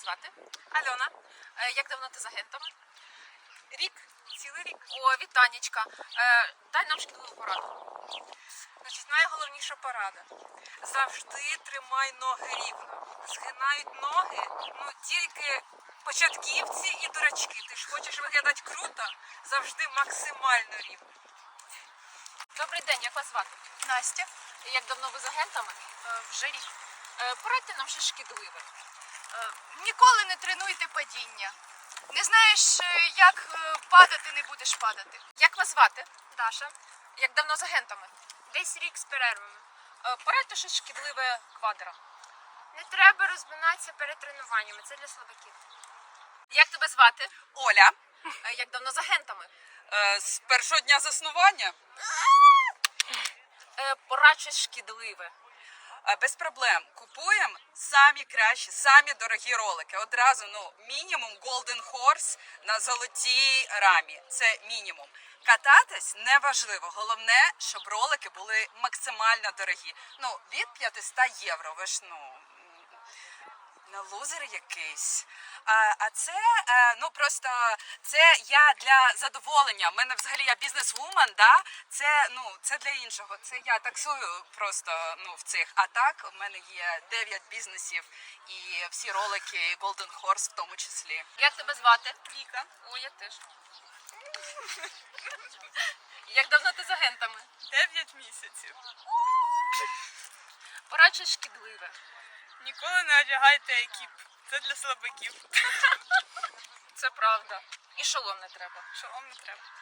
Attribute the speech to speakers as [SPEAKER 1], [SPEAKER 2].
[SPEAKER 1] звати?
[SPEAKER 2] Альона,
[SPEAKER 1] Як давно ти з агентами?
[SPEAKER 2] рік, цілий рік.
[SPEAKER 1] О, вітанечка. Дай нам шкідливу пораду.
[SPEAKER 2] Значить, найголовніша порада. Завжди тримай ноги рівно. Згинають ноги, тільки початківці і дурачки. Ти ж хочеш виглядати круто, завжди максимально рівно.
[SPEAKER 1] Добрий день, як вас звати?
[SPEAKER 2] Настя,
[SPEAKER 1] Як давно ви з агентами?
[SPEAKER 2] вже рік.
[SPEAKER 1] Порадьте нам щось шкідливе.
[SPEAKER 3] Ніколи не тренуйте падіння. Не знаєш, як падати, не будеш падати.
[SPEAKER 1] Як вас звати?
[SPEAKER 3] Даша,
[SPEAKER 1] Як давно з агентами?
[SPEAKER 3] десь рік з перервами.
[SPEAKER 1] Порадьте щось шкідливе квадра.
[SPEAKER 3] Не треба розминатися перед тренуваннями, це для слабаків.
[SPEAKER 1] Як тебе звати?
[SPEAKER 2] Оля,
[SPEAKER 1] Як давно з агентами?
[SPEAKER 2] з першого дня заснування.
[SPEAKER 1] Порадь щось шкідливе.
[SPEAKER 2] Без проблем. Купуємо самі кращі, самі дорогі ролики. Одразу, мінімум Golden Horse на золотій рамі. Це мінімум. Кататись неважливо. Головне, щоб ролики були максимально дорогі. Від 500 євро. Ви ж, не лузер якийсь. А це, просто, це я для задоволення. У мене взагалі я бізнес-вумен, да? Це для іншого. Це я таксую просто, в цих. А так, у мене є 9 бізнесів і всі ролики Golden Horse в тому числі.
[SPEAKER 1] Як тебе звати?
[SPEAKER 2] Віка.
[SPEAKER 1] О, я теж. Як давно ти з агентами?
[SPEAKER 2] 9 місяців.
[SPEAKER 1] Порадь щось шкідливе.
[SPEAKER 2] Ніколи не одягайте екіп. Це для слабаків.
[SPEAKER 1] Це правда. І шолом не треба.
[SPEAKER 2] Шолом не треба.